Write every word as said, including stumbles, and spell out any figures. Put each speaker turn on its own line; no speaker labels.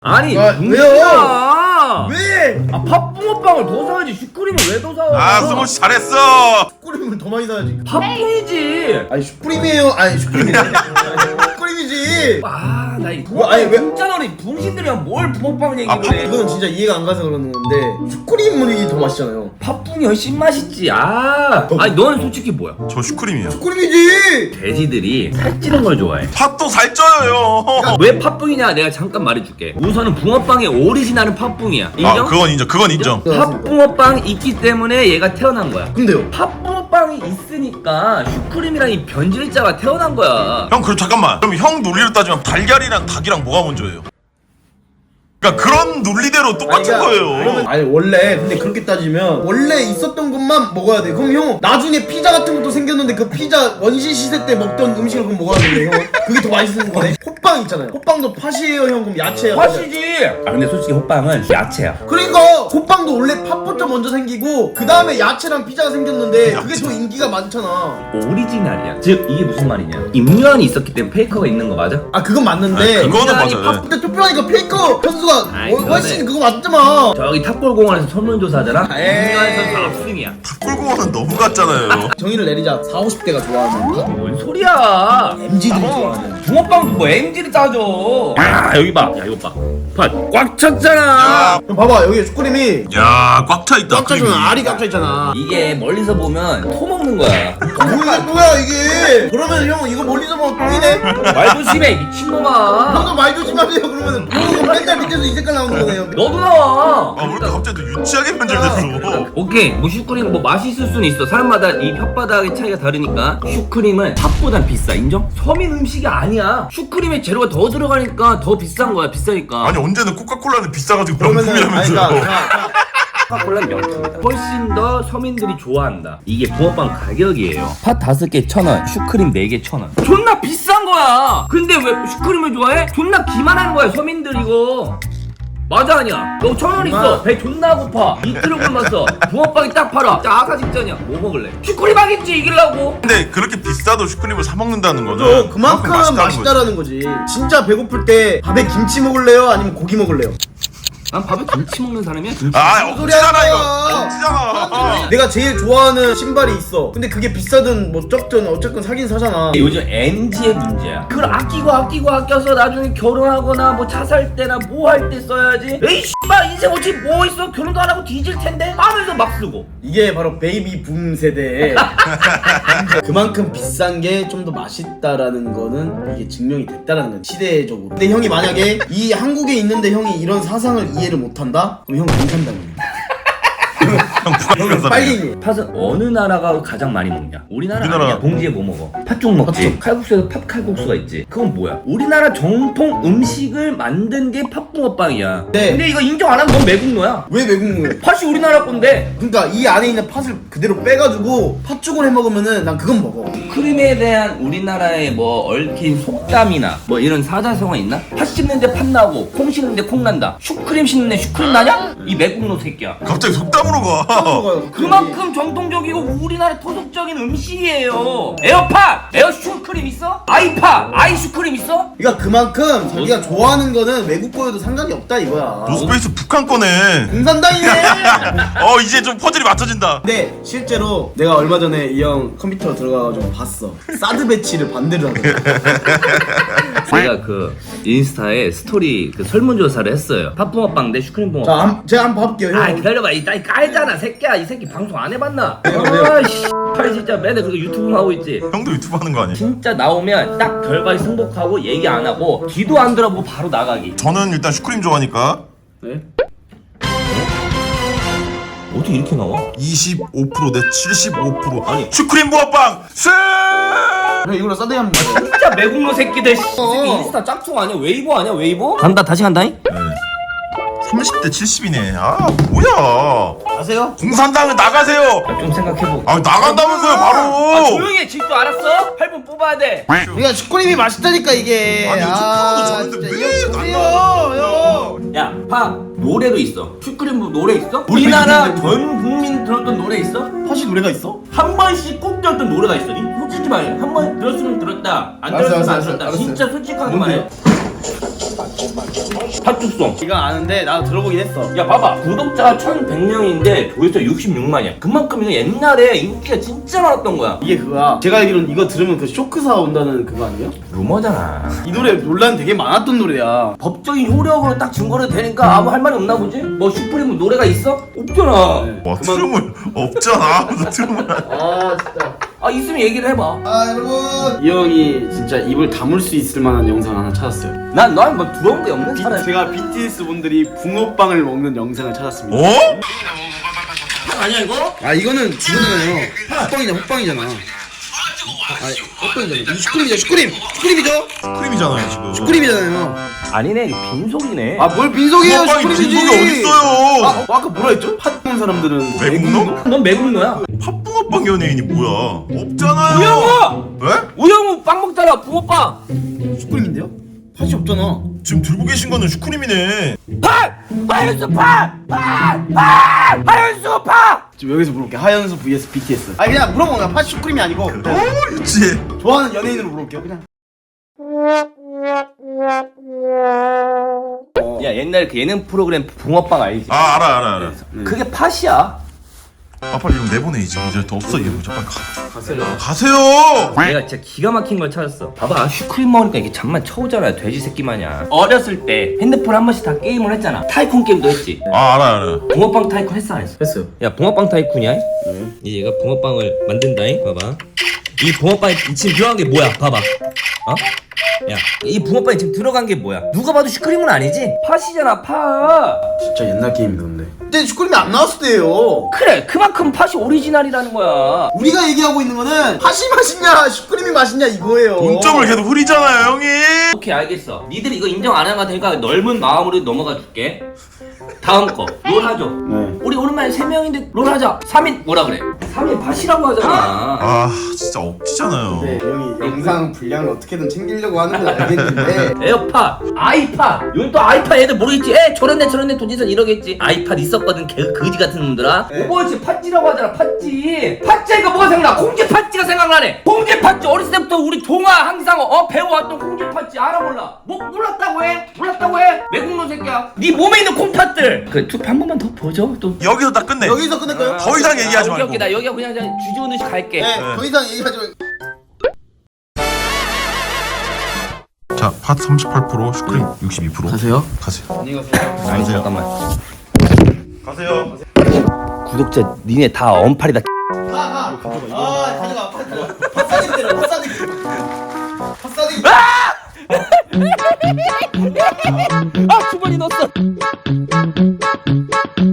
아니
아,
왜요?
왜?
아 팥붕어빵을 더 사야지 슈크림을 왜 더 사?
아 승호씨 잘했어.
슈크림을 더 많이 사야지.
팥붕이지.
아니 슈크림이에요. 아니 슈크림이네. 슈크림이지.
아나이
뭐, 아니, 왜-
진짜 너네 붕신들이랑 뭘 붕어빵 얘기를
아,
해?
이거는 진짜 이해가 안 가서 그러는 건데 슈크림이 더 맛있잖아요.
팥붕이 훨씬 맛있지. 아 아니 너는 솔직히 뭐야?
저 슈크림이에요.
슈크림이지.
돼지들이 살찌는 걸 좋아해.
팥도 살쪄요.
왜 팥붕이냐? 내가 잠깐 말해줄게. 우선은 붕어빵의 오리지널은 팥붕이야. 인정?
아 그건 인정. 그건 인정.
팥붕어빵이 있기 때문에 얘가 태어난 거야.
근데요.
팥붕어빵이 있으니까 슈크림이랑 이 변질자가 태어난 거야.
형 그럼 잠깐만. 그럼 형 논리로 따지면 달걀이랑 닭이랑 뭐가 먼저예요? 그러니까 그런 논리대로 똑같은
아니, 그러니까
거예요.
그러면- 아니 원래 근데 그렇게 따지면 원래 있었던 것만 먹어야 돼. 그럼 형 나중에 피자 같은 것도 생겼는데 그 피자 원시 시대 때 먹던 음식을 그럼 먹어야 되는데 형 그게 더 맛있는 거네. 호빵 있잖아요. 호빵도 팥이에요 형. 그럼 야채예요.
팥이지. 아 근데 솔직히 호빵은 야채야.
그러니까 호빵도 원래 팥부터 먼저 생기고 그 다음에 야채랑 피자가 생겼는데 그게 더 인기가 많잖아.
오리지널이야. 즉 이게 무슨 말이냐? 임요한이 있었기 때문에 페이커가 있는 거 맞아?
아 그건 맞는데
아, 그거는
인간이
맞아요.
근데 투표하니까 페이커 선수가
아이,
훨- 훨씬
그거는-
그거 맞잖아.
저기 탑골공원에서 설문조사하잖아.
에이.
임요한 선수 압승이야.
탑골공원은 너무 같잖아요.
정의를 내리자. 사오십 대가 좋아하는 팥.
뭔 소리야?
엠지들이 좋아하는.
붕어빵도 뭐 엠지를 따져. 야 여기 봐. 야 이거 봐. 팥 꽉 찼잖아.
야,
그럼 봐봐 여기 슈크림이
야, 꽉 차 있다.
꽉 차잖아. 알이 꽉 차 있잖아.
이게 멀리서 보면 토 먹는 거야.
뭐야 뭐야 이게? 그러면 형 이거 멀리서 보면 똥이네?
말 조심해 미친놈아.
형도 말 조심하세요. 그러면 똥 맨날 밑에서 이 색깔 나오는 거네요.
너도 나와.
아, 왜 이렇게 갑자기 또 유치하게 변질됐어?
오케이 뭐 슈크림 뭐 맛있을 수는 있어. 사람마다 이 혓바닥의 차이가 다르니까 슈크림은 팥보단 비싸. 인정? 서민 음식이 아니야. 슈크림에 재료가 더 들어가니까 더 비싼 거야. 비싸니까.
아니 언제는 코카콜라는 비싸가지고
그러면은 아니
명품이라면서.
그러니까
코카콜라는 명품이다. 훨씬 더 서민들이 좋아한다. 이게 붕어빵 가격이에요. 팥 다섯 개 천 원, 슈크림 네 개 천 원. 존나 비싼 거야. 근데 왜 슈크림을 좋아해? 존나 기만하는 거야 서민들 이거. 맞아 아니야? 너 천 원 있어. 배 존나 고파. 이틀을 굶었어. 붕어빵이 딱 팔아. 자 아까 직전이야. 뭐 먹을래? 슈크림 하겠지 이기려고.
근데 그렇게 비싸도 슈크림을 사 먹는다는 거는
또 그만큼
맛있다는
맛있다라는 거지. 진짜 배고플 때 밥에 김치 먹을래요? 아니면 고기 먹을래요?
난 밥에 김치 먹는 사람이야. 김치.
아,
무슨 소리 하는
억지잖아 이거.
거야.
억지잖아.
내가 제일 좋아하는 신발이 있어. 근데 그게 비싸든 뭐 적든 어쨌든 사긴 사잖아.
요즘 엠지의 문제야. 그걸 아끼고 아끼고 아껴서 나중에 결혼하거나 뭐 차 살 때나 뭐 할 때 써야지. 에이 씨발 인생 어찌 뭐 있어? 결혼도 안 하고 뒤질 텐데 하면서 막 쓰고.
이게 바로 베이비 붐 세대에 그만큼 비싼 게 좀 더 맛있다라는 거는 이게 증명이 됐다라는 거야 시대적으로. 근데 형이 만약에 이 한국에 있는데 형이 이런 사상을 이해를 못한다? 그럼 형 공산당입니다.
형
형은
부산
빨갱이.
팥은 어느 나라가 가장 많이 먹냐? 우리나라
우리나라.
아니야. 봉지에 뭐 먹어? 팥죽 먹지.
팥죽.
칼국수에도 팥 칼국수가 있지. 그건 뭐야? 우리나라 정통 음식을 만든 게 팥붕어빵이야.
네.
근데 이거 인정 안 하면 넌 매국노야.
왜 외국물?
팥이 우리나라 건데.
그러니까 이 안에 있는 팥을 그대로 빼가지고 팥죽을 해 먹으면은 난 그건 먹어.
크림에 대한 우리나라의 뭐 얽힌 속담이나 뭐 이런 사자성어 있나? 팥 씹는데 팥 나고 콩 씹는데 콩 난다. 슈크림 씹는데 슈크림 나냐? 이 매국노 새끼야.
갑자기 속담으로 가.
먹어요.
그만큼 정통적이고 우리나라 토속적인 음식이에요. 에어팟, 에어 슈크림 있어? 아이팟, 아이 슈크림 있어?
그러니까 그만큼 자기가 좋아하는 거는 외국 거여도 상관이 없다 이거야.
노스페이스 북한 거네.
공산당이네.
어 이제 좀 퍼즐이 맞춰진다.
근데 실제로 내가 얼마 전에 이 형 컴퓨터 들어가가지고 봤어. 사드 배치를 반대로 하더라고.
제가 그 인스타에 스토리 그 설문조사를 했어요. 팥붕어빵 대 슈크림 붕어빵.
자, 한, 제가 한번 봐볼게요. 형.
아 기다려봐 이 딸 깔잖아 새끼야. 이 새끼 방송 안 해봤나?
왜요, 왜요?
아이씨 팔 진짜 맨날 그렇게 유튜브만 하고 있지.
형도 유튜브 하는 거 아니야?
진짜 나오면 딱 결과에 승복하고 얘기 안 하고 뒤도 안 들어보고 바로 나가기.
저는 일단 슈크림 좋아하니까
네? 어떻게 이렇게 나와?
이십오 퍼센트 대 칠십오 퍼센트.
아니.
슈크림 부어빵 승!
형 이걸로 사드 한번 봐요.
진짜 매국노 새끼들. 이 새끼
어.
인스타 짝퉁 아니야? 웨이보 아니야? 웨이보? 간다 다시 간다잉?
삼십 대 칠십이네. 아 뭐야?
아세요?
공산당은 나가세요.
좀 생각해보고.
아 나간다면서요
아
바로.
조용히 해. 질도 알았어? 팔 분 뽑아야 돼.
그러니까 슈크림이 맛있다니까 이게.
아니, 슈크림도 좋은데
진짜
왜
이거
안
보세요, 형.
야, 파 노래도 있어. 슈크림 뭐 노래 있어? 우리나라 전 국민 들었던 노래 있어?
팥이 노래가 있어?
한 번씩 꼭 들었던 노래가 있어. 이 솔직히 말해. 한 번 들었으면 들었다. 안
알았어,
들었으면 안
알았어,
들었다.
알았어.
진짜 솔직하게
뭔데요?
말해. 팥죽송.
이거 아는데 나도 들어보긴 했어.
야 봐봐, 구독자가 천백 명인데 조회수 육십육만이야. 그만큼 이거 옛날에 인기가 진짜 많았던 거야.
이게 그거야. 제가 알기로는 이거 들으면 그 쇼크사 온다는 그거 아니에요?
루머잖아.
이 노래 논란 되게 많았던 노래야.
법적인 효력으로 딱 증거를 되니까 아무 할 말이 없나 보지? 뭐 슈프림 노래가 있어? 없잖아.
네.
와 트름을 없잖아. 무슨 트름을.
아 진짜.
아 있으면 얘기를 해봐.
아 여러분. 이 형이 진짜 입을 다물 수 있을 만한 영상 하나 찾았어요.
난난뭐 부러운 게 없는 사람.
제가 비티에스 분들이 붕어빵을 먹는 영상을 찾았습니다.
어?
아니야 이거?
아 이거는 이거잖아요. 호빵이잖아, 호빵이잖아. 아, 호빵이잖아. 슈크림이죠, 슈크림, 슈크림이죠,
크림이잖아요 지금.
슈크림이잖아요.
아니네 이거 빈속이네.
아 뭘 빈속이에요,
빵이
슈크림이지.
빈속이 어딨어요?
아, 어, 아까 뭐라 했죠? 팥 먹는 사람들은
외국노?
넌 매국노야.
팥붕어빵 연예인이 뭐야? 없잖아요.
우영우!
왜?
우영우 빵 먹잖아 붕어빵.
슈크림인데요? 팥이 없잖아.
지금 들고 계신 거는 슈크림이네.
팥! 하연수 팥! 팥! 팥! 하연수 팥!
지금 여기서 물어볼게. 하연수 vs 비티에스. 아 그냥 물어본 거야. 팥 슈크림이 아니고
어 있지.
좋아하는 연예인으로 물어볼게요. 그냥.
야 옛날 그 예능 프로그램 붕어빵 알지?
아 알아 알아 알아.
그게 팥이야.
아 빨리 이거 내보내 이제 이제 더 없어 이거 빨리 가.
가세요.
가세요.
내가 진짜 기가 막힌 걸 찾았어. 봐봐 슈크림 먹으니까 이게 잠만 쳐오잖아 돼지 새끼 마냥. 어렸을 때 핸드폰 한 번씩 다 게임을 했잖아. 타이쿤 게임도 했지.
아 알아 알아.
붕어빵 타이쿤 했어 안 했어?
했어요.
야 붕어빵 타이쿤이야? 이제 얘가 붕어빵을 만든다잉. 봐봐 이 붕어빵에 지금 들어간 게 뭐야 봐봐. 어? 야 이 붕어빵에 지금 들어간 게 뭐야? 누가 봐도 슈크림은 아니지? 팥이잖아 팥.
진짜 옛날 게임이다 근데. 그때 슈크림이 안 나왔을 때예요.
그래 그만큼 팥이 오리지널이라는 거야.
우리가 얘기하고 있는 거는 팥이 맛있냐 슈크림이 맛있냐 이거예요.
동점을 계속 흐리잖아요 형이.
오케이 알겠어. 니들이 이거 인정 안 하는 거 되니까 넓은 마음으로 넘어가 줄게. 다음 거 롤 하죠.
네.
우리 오랜만에 세 명인데 롤 하자. 삼 인 뭐라 그래? 삼 인 팥이라고 하잖아.
아 진짜 억지잖아요.
네, 형이 영상 분량을 어떻게든 챙기려고 하는 건 알겠는데
에어팟, 아이팟. 이건 또 아이팟 애들 모르겠지. 에 저런데 저런데 도지선 이러겠지. 아이팟 있었거든. 개 거지 같은 놈들아.
네.
오버워치 팥찌라고 하잖아. 팥찌. 팥찌가 뭐가 생각나? 콩지 팥찌가 생각나네. 콩지 팥찌 어렸을 때부터 우리 동아 항상 어 배워왔던 콩지 팥찌 알아 몰라? 뭐 몰랐다고 해? 몰랐다고 해? 외국놈 새끼야. 네 몸에 있는 콩팥들. 그 투표 한 번만 더 보죠. 또.
여기서 딱 끝내.
여기서 끝낼까요?
더 이상 얘기하지
아, 오케이,
말고.
오케이. 나 여기가 그냥 주저우는 식 갈게.
네, 더 이상 얘기하지 말고.
자, 팥 삼십팔 퍼센트, 슈크림 육십이 퍼센트.
가세요.
가세요.
안녕히 가세요.
아니
가세요.
잠깐만.
가세요.
구독자 니네 다 언팔이다.
가, 가. 아, 가져가. 가져가. 팥 싸게 때려. 팥 싸게. 팥 싸게.
아 두 번이 넣었어.